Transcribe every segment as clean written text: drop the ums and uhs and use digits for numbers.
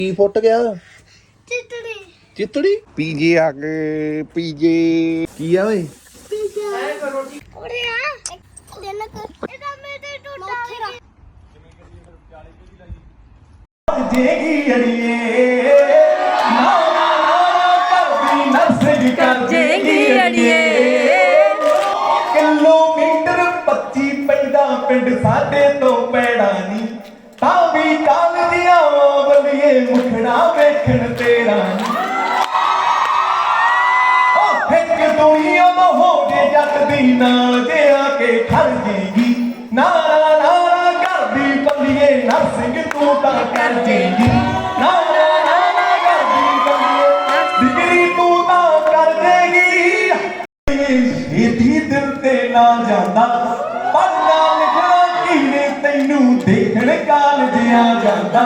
ਕੀ ਫੁੱਟ ਗਿਆ? चितड़ी ਚਿੱਤੜੀ ਪੀਜੇ ਆ ਗਏ ਪੀਜੇ ਕੀ ਆ ਓਏ उड़े आ लेना कर ਇਹਦਾ ਮੇਰੇ ਟੁੱਟਾ ਗਿਆ ਜੇਗੀ ਅੜੀਏ ਨਾ ਨਾ ਨਾ ਕਰਦੀ ਨਰਸਿੰਗ ਕਰ ਜੇਗੀ ਅੜੀਏ ਕਿਲੋਮੀਟਰ 25 ਪੈਂਦਾ ਪਿੰਡ ਸਾਡੇ ਤੋਂ ਪੈੜਾ ਨਹੀਂ ਤਾਂ ਵੀ ਕਾਲਜੀਆਂ ਬੱਲੀਏ ਮੁਖੜਾ ਵੇਖਣ ਤੇਰਾ ਉਹ ਇੱਕ ਦੁਨੀਆ ਦਾ ਹੋ ਜੇ ਜੱਟ ਦੀ ਨਾ ਜੇ ਆ ਕੇ ਖੜ ਜੇਗੀ ਨਾਰਾ ਨਾਰਾ ਕਰਦੀ ਬੱਲੀਏ ਨਰਸਿੰਗ ਤੂੰ ਤਾਂ ਕਰ ਜੇਗੀ ਨਾਰਾ ਨਾਰਾ ਕਰਦੀ ਬੱਲੀਏ ਡਿਗਰੀ ਤੂੰ ਤਾਂ ਕਰ ਜੇਗੀ ਛੇਤੀ ਦਿਲ ਤੇ ਨਾ ਜਾਂਦਾ ਪੜਨਾ ਲਿਖਣਾ ਕਿਨੇ ਤੈਨੂੰ ਦੇਖਣ ਕਾਲਜਿਆਂ ਜਾਂਦਾ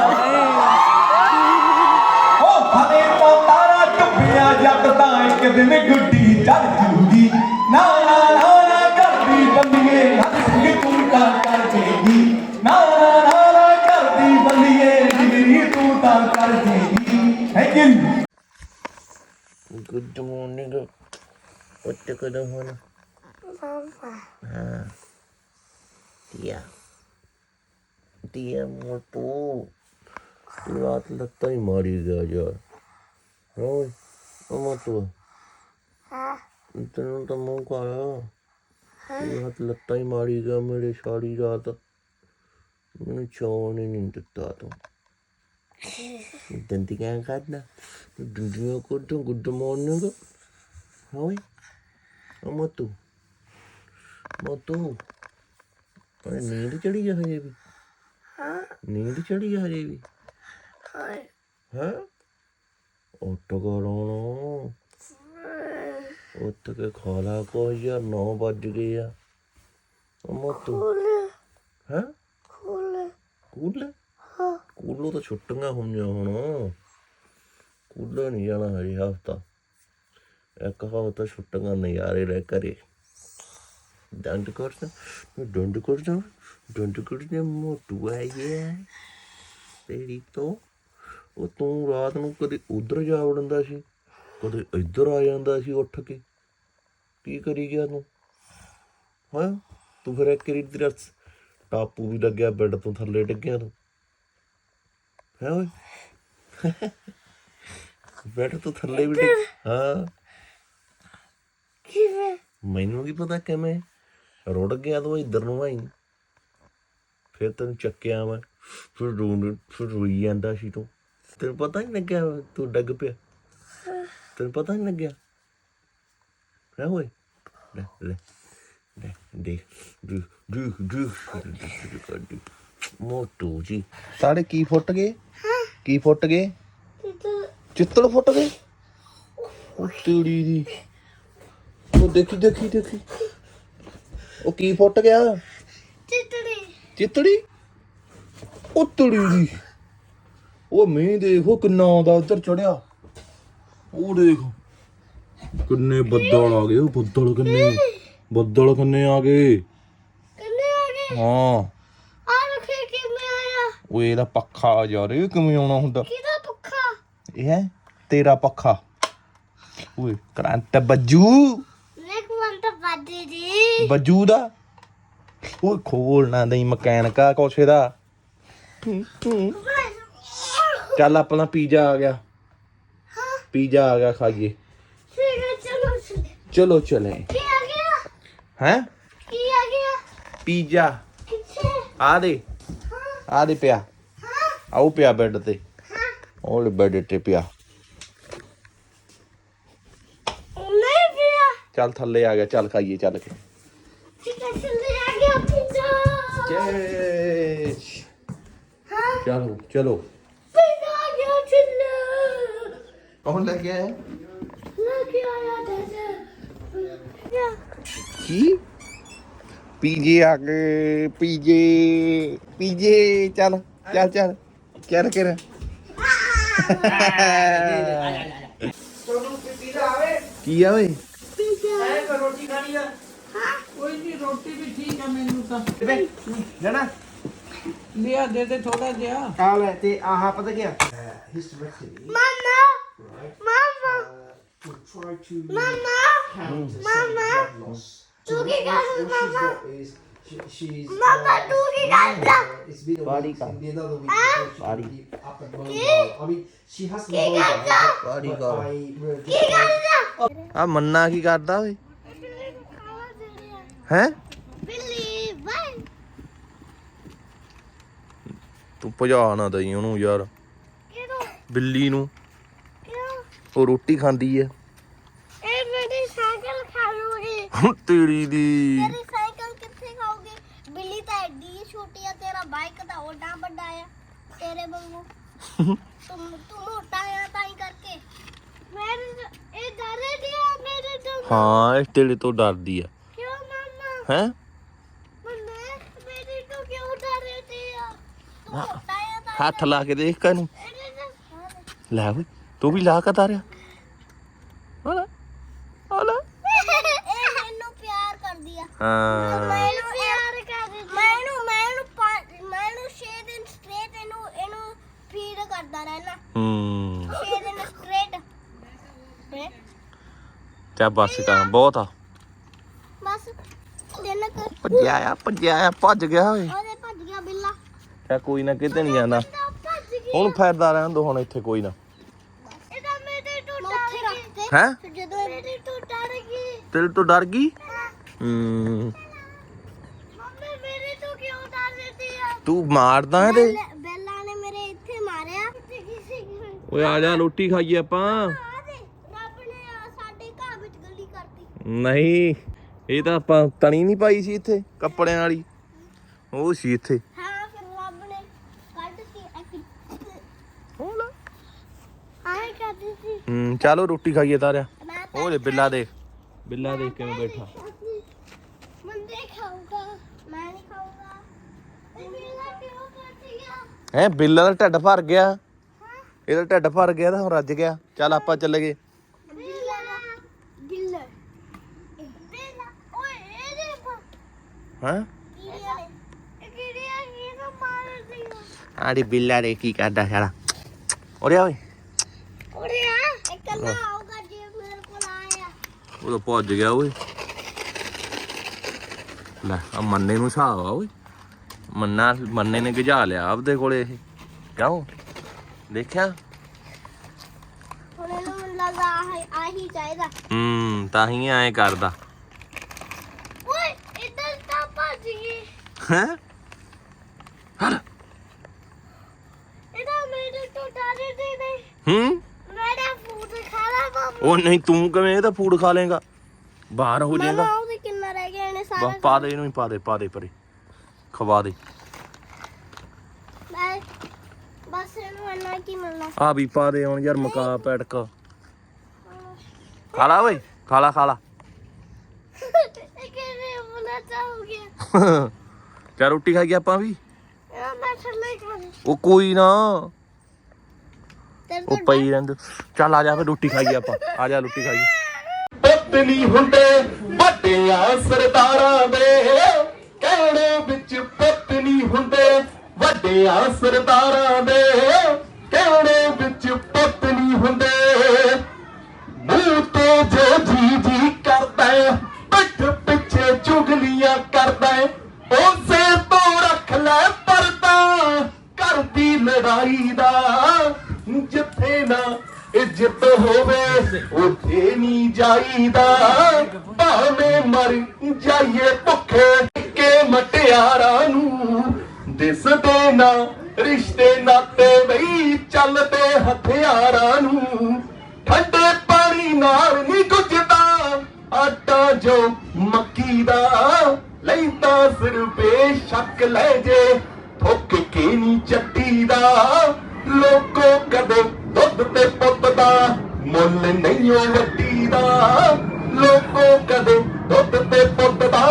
ਉਹ ਫਲੇ ਤੋਂ ਤਾਰਾ ਟੁੱਪਿਆ ਜੱਟ ਤਾਂ ਇੱਕ ਦਿਨ ਗੁੱਡੀ ਚੜ ਜੂਗੀ ਨਾ ਨਾ ਨਾ ਕਰਦੀ ਬੰਦੀਏ ਨਰਸਿੰਗ ਤੂੰ ਤਾਂ ਕਰ ਜੇਗੀ ਨਾ ਨਾ ਕਰਦੀ ਬੰਦੀਏ ਡਿਗਰੀ ਤੂੰ ਤਾਂ ਕਰ ਜੇਗੀ ਹੈ ਕਿ ਗੁੱਡ ਮਾਰਨਿੰਗ ਉੱਠ ਕਦੋਂ ਹੁਣ ਹਾਂ ਦੀਆ ਮੋਟੂ ਰਾਤ ਲੱਤਾਂ ਹੀ ਮਾਰੀ ਗਿਆ ਯਾਰ ਓਏ ਉਹ ਮੋਟੂ ਹਾਂ ਤੈਨੂੰ ਤਾਂ ਮੂੰਹ ਕਾਲਾ ਰਾਤ ਲੱਤਾਂ ਹੀ ਮਾਰੀ ਗਿਆ ਮੇਰੇ ਸਾਰੀ ਰਾਤ ਮੈਨੂੰ ਚੌਣ ਹੀ ਨਹੀਂ ਦਿੱਤਾ ਤੂੰ ਦੰਦੀਆਂ ਕੱਢਣਾ ਦੰਦੀਆਂ ਕੱਢੋ ਗੁੱਡ ਮਾਰਨਿੰਗ ਓਏ ਉਹ ਮੋਟੂ ਅਰੇ ਨੀਂਦ ਚੜੀ ਆ ਹਜੇ ਵੀ ਨੀਂਦ ਚੜੀ ਆ ਹਜੇ ਵੀ ਹੈ ਉੱਠ ਕਰੋ ਉੱਠ ਕੇ ਖਾ ਲਾ ਕੁਛ ਯਾਰ 9 ਵੱਜ ਗਏ ਆ ਉਹ ਮੋਟੂ ਹੈ ਕੂਲੋ ਤਾਂ ਛੁੱਟੀਆਂ ਹੋਈਆਂ ਹੁਣ ਕੂਲੋ ਨਹੀਂ ਜਾਣਾ ਹਜੇ ਹਫ਼ਤਾ ਇੱਕ ਹਫ਼ਤਾ ਛੁੱਟੀਆਂ ਨਜ਼ਾਰੇ ਲੈ ਘਰੇ ਡੰਡ ਕਰਦਾ ਮੋਟੂ ਆ ਗਿਆ ਤੇਰੀ ਤੋਂ ਉਹ ਤੂੰ ਰਾਤ ਨੂੰ ਕਦੇ ਉਧਰ ਜਾ ਵੜਦਾ ਸੀ ਕਦੇ ਇੱਧਰ ਆ ਜਾਂਦਾ ਸੀ ਉੱਠ ਕੇ ਕੀ ਕਰੀ ਗਿਆ ਤੂੰ ਹਾਂ ਤੂੰ ਫਿਰ ਇੱਕ ਵਾਰੀ ਤੇਰਾ ਟਾਪੂ ਵੀ ਲੱਗਿਆ ਬੈੱਡ ਤੋਂ ਥੱਲੇ ਡਿੱਗਿਆ ਤੂੰ ਹੈ ਓਏ ਬੈੱਡ ਤੋਂ ਥੱਲੇ ਵੀ ਡਿੱਗ ਹਾਂ ਕਿਵੇਂ ਮੈਨੂੰ ਕੀ ਪਤਾ ਕਿਵੇਂ ਰੁੜ ਗਿਆ ਤੂੰ ਇੱਧਰ ਨੂੰ ਆਈ ਫਿਰ ਤੈਨੂੰ ਚੱਕਿਆ ਮੈਂ ਫਿਰ ਰੋਈ ਜਾਂਦਾ ਸੀ ਤੂੰ ਤੈਨੂੰ ਪਤਾ ਨਹੀਂ ਲੱਗਿਆ ਤੂੰ ਡਿੱਗ ਪਿਆ ਤੈਨੂੰ ਪਤਾ ਨਹੀਂ ਲੱਗਿਆ ਹੈ ਓਏ ਲੈ ਮੋਟੂ ਜੀ ਸਾਡੇ ਕੀ ਫੁੱਟ ਗਏ ਕੀ ਫੁੱਟ ਗਏ ਚਿੱਤੜ ਫੁੱਟ ਗਏ ਉਹ ਤੇੜੀ ਦੀ ਉਹ ਦੇਖੀ ਉਹ ਕੀ ਫੁੱਟ ਗਿਆ ਚਿੱਤੜੀ ਉਹ ਤੜੀ ਦੀ ਉਹ ਮੀਂਹ ਦੇਖੋ ਕਿੰਨਾ ਆਉਂਦਾ ਉੱਧਰ ਚੜਿਆ ਉਹ ਦੇਖ ਕਿੰਨੇ ਬੱਦਲ ਆ ਗਏ ਉਹ ਬੱਦਲ ਕਿੰਨੇ ਆ ਗਏ ਹਾਂ ਆ ਲਖੇ ਕਿਵੇਂ ਆਇਆ ਉਹ ਇਹਦਾ ਪੱਖਾ ਯਾਰ ਇਹ ਕਿਵੇਂ ਆਉਣਾ ਹੁੰਦਾ ਕਿਹਦਾ ਪੱਖਾ ਇਹ ਹੈ ਤੇਰਾ ਪੱਖਾ ਓਏ ਕਰੰਟ ਬੱਜੂ ਨੇਕ ਵੰਤ ਬਾਦੀ ਦੀ ਬੱਜੂ ਦਾ ਉਹ ਖੋਲ ਨਾ ਦਈ ਮਕੈਨਿਕਾ ਕੋਛੇ ਦਾ ਚੱਲ ਆਪਣਾ ਪੀਜ਼ਾ ਆ ਗਿਆ ਪੀਜ਼ਾ ਆ ਗਿਆ ਖਾਈਏ ਚਲੋ ਚਲੇ ਕੀ ਆ ਗਿਆ ਹੈਂ ਕੀ ਆ ਗਿਆ ਪੀਜ਼ਾ ਕਿੱਥੇ ਆ ਦੇ ਪਿਆ ਆਉ ਪਿਆ ਬੈੱਡ ਤੇ ਉਹ ਬੈੱਡ ਤੇ ਪਿਆ ਨਹੀਂ ਪਿਆ ਚੱਲ ਥੱਲੇ ਆ ਗਿਆ ਚੱਲ ਖਾਈਏ ਚੱਲ ਕੇ ਥੱਲੇ ਆ ਗਿਆ ਪੀਜ਼ਾ ਚਲੋ ਪੀਜ਼ਾ ਆ ਗਿਆ ਥੱਲੇ ਕੌਣ ਲੈ ਕੇ ਆਇਆ ਲੈ ਕੇ ਆਇਆ ਦਾਦਾ ਕੀ ਪੀਜੇ ਆ ਗਏ ਪੀਜੇ ਚੱਲ ਕਰ ਕੀ ਆ ਓਏ ਪੀਜ਼ਾ ਰੋਟੀ ਖਾਣੀ ਆ ਕੋਈ ਨਹੀਂ ਰੋਟੀ ਵੀ ਠੀਕ ਆ ਮੈਨੂੰ ਤਾਂ ਜਣਾ ਲਿਆ ਦੇ ਥੋੜਾ ਜਿਹਾ ਆ ਲੈ ਤੇ ਆਹ ਪਤਾ ਕੀ hysterectomy, Mama, right, Mama, will try to Mama, counter some Mama. blood loss. So Tuki what got she's Mama. got is she's Mama, Tuki got it's been a Body week, count. it'll be another week before she Body. can be up and mobile. I mean, she has to be mobile, Body but count. I will ਆ ਮੰਨਾ ਕੀ ਕਰਦਾ ਓਏ ਹੈ Billy, bye. ਤੂੰ ਭਜਾ ਨਾ ਦਈ ਉਹਨੂੰ ਯਾਰ ਕਿਹਨੂੰ ਬਿੱਲੀ ਨੂੰ ਕਿਉਂ ਉਹ ਰੋਟੀ ਖਾਂਦੀ ਐ ਇਹ ਮੇਰੀ ਸਾਈਕਲ ਖਾ ਲੂਗੀ ਤੇਰੀ ਦੀ ਤੇਰੀ ਸਾਈਕਲ ਕਿੱਥੇ ਖਾਓਗੇ ਬਿੱਲੀ ਤਾਂ ਐਡੀ ਛੋਟੀ ਆ ਤੇਰਾ ਬਾਈਕ ਤਾਂ ਓਡਾ ਵੱਡਾ ਆ ਤੇਰੇ ਵਾਂਗੂ ਤੂੰ ਮੋਟਾ ਆ ਤਾਂ ਹੀ ਕਰਕੇ ਮੈਂ ਇਹ ਡਰੇ ਦੀ ਆ ਮੇਰੇ ਤੋਂ ਹਾਂ ਇਹ ਤੇਰੇ ਤੋਂ ਡਰਦੀ ਆ ਕਿਉਂ ਮਮਾ ਹੈ ਮੈਂ ਮੇਰੇ ਤੋਂ ਕਿਉਂ ਡਰੇ ਦੀ ਆ ਤੂੰ ਮੋਟਾ ਆ ਤਾਂ ਹੱਥ ਲਾ ਕੇ ਦੇਖ ਕਨੂੰ ਇਹਦੇ ਨਾਲ ਲੈ ਓਏ ਤੂੰ ਵੀ ਲਾ ਕੇ ਤਾਰਿਆ ਹਲਾ ਹਲਾ ਇਹ ਮੈਨੂੰ ਪਿਆਰ ਕਰਦੀ ਆ ਹਾਂ ਮੈਨੂੰ ਪਿਆਰ ਕਰਦੀ ਮੈਨੂੰ 6 ਦਿਨ ਸਟ੍ਰੇਟ ਇਹਨੂੰ ਫੀਡ ਕਰਦਾ ਰਹਿਣਾ ਹੂੰ 6 ਦਿਨ ਸਟ੍ਰੇਟ ਚਾ ਬਸ ਕਰ ਬਹੁਤ ਆ ਬਸ ਦਿਨ ਕਰ ਭੱਜਿਆ ਆ ਭੱਜ ਗਿਆ ਓਏ ਉਹਦੇ ਭੱਜ ਗਿਆ ਬਿੱਲਾ ਚਾ ਕੋਈ ਨਾ ਕਿਤੇ ਨਹੀਂ ਜਾਂਦਾ ਤਾਂ ਭੱਜ ਗਿਆ ਹੁਣ ਫੈਰਦਾ ਰਹਿਣ ਦੋ ਹੁਣ ਇੱਥੇ ਕੋਈ ਨਾ ਇਹਦਾ ਮੇਰੇ ਤੋਂ ਡਰ ਗਈ ਹੈ ਜਦੋਂ ਮੇਰੇ ਤੋਂ ਡਰ ਗਈ ਤੇਰੇ ਤੋਂ ਡਰ ਗਈ ਮੰਮੀ ਮੇਰੇ ਤੋਂ ਕਿਉਂ ਡਰ ਰਹੀ ਆ ਤੂੰ ਮਾਰਦਾ ਇਹਦੇ ਬੈਲਾ ਨੇ ਮੇਰੇ ਇੱਥੇ ਮਾਰਿਆ ਓਏ ਆ ਜਾ ਰੋਟੀ ਖਾਈਏ ਆਪਾਂ ਰੱਬ ਨੇ ਸਾਡੇ ਘਰ ਵਿੱਚ ਗਲੀ ਕਰਤੀ ਨਹੀਂ ਇਹ ਤਾਂ ਆਪਾਂ ਤਣੀ ਨਹੀਂ ਪਾਈ ਸੀ ਇੱਥੇ ਕੱਪੜਿਆਂ ਵਾਲੀ ਉਹ ਸੀ ਇੱਥੇ ਹਾਂ ਫਿਰ ਰੱਬ ਨੇ ਕੱਢਤੀ ਹੋਲਾ ਆਏ ਕਰਦੀ ਸੀ ਚਲੋ ਰੋਟੀ ਖਾਈਏ ਤਾਰਿਆ ਮੈਂ ਉਹ ਲੈ ਬਿੱਲਾ ਦੇਖ ਬਿੱਲਾ ਦੇਖ ਕਿਵੇਂ ਬੈਠਾ ਮੰਦੇ ਖਾਊਗਾ ਮੈਂ ਨਹੀਂ ਖਾਊਗਾ ਇਹ ਮੇਰਾ ਕਿਉਂ ਕੱਟ ਗਿਆ ਹੈ ਬਿੱਲਾ ਦਾ ਢਿੱਡ ਭਰ ਗਿਆ ਇਹਦਾ ਢਿੱਡ ਭਰ ਗਿਆ ਤਾਂ ਹੁਣ ਰੱਜ ਗਿਆ ਚੱਲ ਆਪਾਂ ਚੱਲ ਗਏ ਬਿੱਲਾ ਬਿੱਲਾ ਬਿੱਲਾ ਓਏ ਇਹ ਦੇਖੋ ਹਾਂ ਕੀੜੀਆਂ ਨੇ ਇਹ ਕੀੜੀਆਂ ਕਿਹਨੂੰ ਮਾਰਦੀ ਆ ਆੜੀ ਬਿੱਲਾ ਦੇ ਕੀ ਕਰਦਾ ਸਾਲਾ ਓਰੇ ਓਏ ਉਰੇ ਆ ਇਕੱਲਾ ਆਊਗਾ ਜੇ ਮੇਰੇ ਕੋਲ ਆਇਆ ਉਹ ਤਾਂ ਭੱਜ ਗਿਆ ਓਏ ਲੈ ਆ ਮੰਨੇ ਨੂੰ ਹਿਸਾਬ ਆ ਓਏ ਮੰਨੇ ਨੇ ਗਜਾ ਲਿਆ ਆਪਦੇ ਕੋਲੇ ਇਹ ਕਿਉਂ ਦੇਖਿਆ ਹੁਣ ਇਹਨੂੰ ਮੈਨੂੰ ਲੱਗਾ ਆਹੀ ਚਾਹੀਦਾ ਤਾਂ ਹੀ ਐਂ ਕਰਦਾ ਓਏ ਇੱਧਰ ਤਾਂ ਭੱਜ ਗਈ ਹੈ ਹਲ ਇਹਦਾ ਮੇਰੇ ਤੋਂ ਡਰਦੀ ਨਹੀਂ ਮੇਰਾ ਫੂਡ ਖਾਣਾ ਬਾਬੂ ਉਹ ਨਹੀਂ ਤੂੰ ਕਿਵੇਂ ਇਹਦਾ ਫੂਡ ਖਾ ਲੇਗਾ ਬਾਹਰ ਹੋ ਜਾਏਗਾ ਮਾਮਾ ਉਹਦੇ ਕਿੰਨਾ ਰਹਿ ਗਿਆ ਇਹਨੇ ਸਾਰਾ ਬਸ ਪਾ ਦੇ ਇਹਨੂੰ ਹੀ ਪਾ ਦੇ ਪਰੇ ਖਵਾ ਦੇ ਮੈਂ ਬਸ ਇਹਨੂੰ ਇੰਨਾ ਕੀ ਮਿਲਣਾ ਆ ਵੀ ਪਾ ਦੇ ਹੁਣ ਯਾਰ ਮਕਾ ਪੈਟਕ ਖਾ ਲਾ ਓਏ ਖਾ ਲਾ ਇਹ ਕਿਵੇਂ ਬੁਲਾ ਚਾਹ ਗਿਆ ਕਿਆ ਰੋਟੀ ਖਾਈ ਆਪਾਂ ਵੀ ਇਹ ਮੈਂ ਥੱਲੇ ਖਾ ਲਈ ਉਹ ਕੋਈ ਨਾ ਤੇਰੇ ਉਹ ਪਈ ਰਹਿੰਦੇ ਚੱਲ ਆ ਜਾ ਫਿਰ ਰੋਟੀ ਖਾਈਏ ਆਪਾਂ ਆ ਜਾ ਰੋਟੀ ਖਾਈਏ ਪੁੱਤ ਨਹੀਂ ਹੁੰਦੇ ਵੱਡਿਆਂ ਸਰਦਾਰਾਂ ਦੇ ਕਹਿਣੇ ਵਿੱਚ ਪੁੱਤ ਨਹੀਂ ਹੁੰਦੇ ਵੱਡਿਆਂ ਸਰਦਾਰਾਂ ਦੇ ਕਹਿਣੇ ਵਿੱਚ ਪੁੱਤ ਨਹੀਂ ਹੁੰਦੇ ਮੂੰਹ ਤੇ ਜੋ ਜੀ ਕਰਦਾ ਪਿੱਠ ਪਿੱਛੇ ਚੁਗਲੀਆਂ ਕਰਦਾ ਉਸੇ ਤੋਂ ਰੱਖ ਲੈ ਪਰਦਾ ਘਰ ਦੀ ਲੜਾਈ ਦਾ ਜਿੱਥੇ ਨਾ ਇੱਜ਼ਤ ਹੋਵੇ ਉੱਥੇ ਨਹੀਂ ਜਾਈਦਾ ਭਾਵੇਂ ਮਰ ਜਾਈਏ ਭੁੱਖੇ ਕੇ ਮਟਿਆਰਾਂ ਨੂੰ ਦਿਸਦੇ ਨਾ ਰਿਸ਼ਤੇ ਨਾਤੇ ਬਈ ਚੱਲਦੇ ਹਥਿਆਰਾਂ ਨੂੰ ਠੰਡੇ ਪਾਣੀ ਨਾਲ ਨਹੀਂ ਗੁੱਝਦਾ ਆਟਾ ਜੋ ਮੱਕੀ ਦਾ ਲੈਂਦਾ ਸਿਰ ਬੇਸ਼ੱਕ ਲੈ ਜੇ ਥੁੱਕ ਕੇ ਨਹੀਂ ਚੱਟੀ ਦਾ ਲੋਕੋ ਕਦੇ ਦੁੱਧ ਤੇ ਪੁੱਤ ਦਾ ਮੁੱਲ ਨਹੀਂ ਓ ਵੱਡੀ ਦਾ ਲੋਕੋ ਕਦੇ ਦੁੱਧ ਤੇ ਪੁੱਤ ਦਾ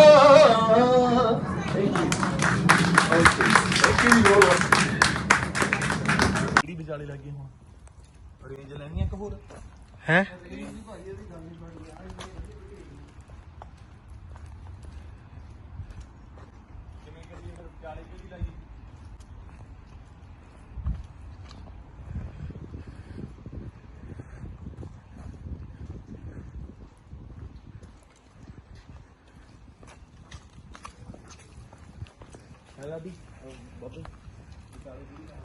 ਕਿਹੜੀ ਵਿਚਾਲੇ ਲੱਗੀ ਹੁਣ ਰੇਂਜ ਲੈਣੀ ਇੱਕ ਹੋਰ ਹੈ ਹੈਗਾ ਦੀ ਬਾਬੇ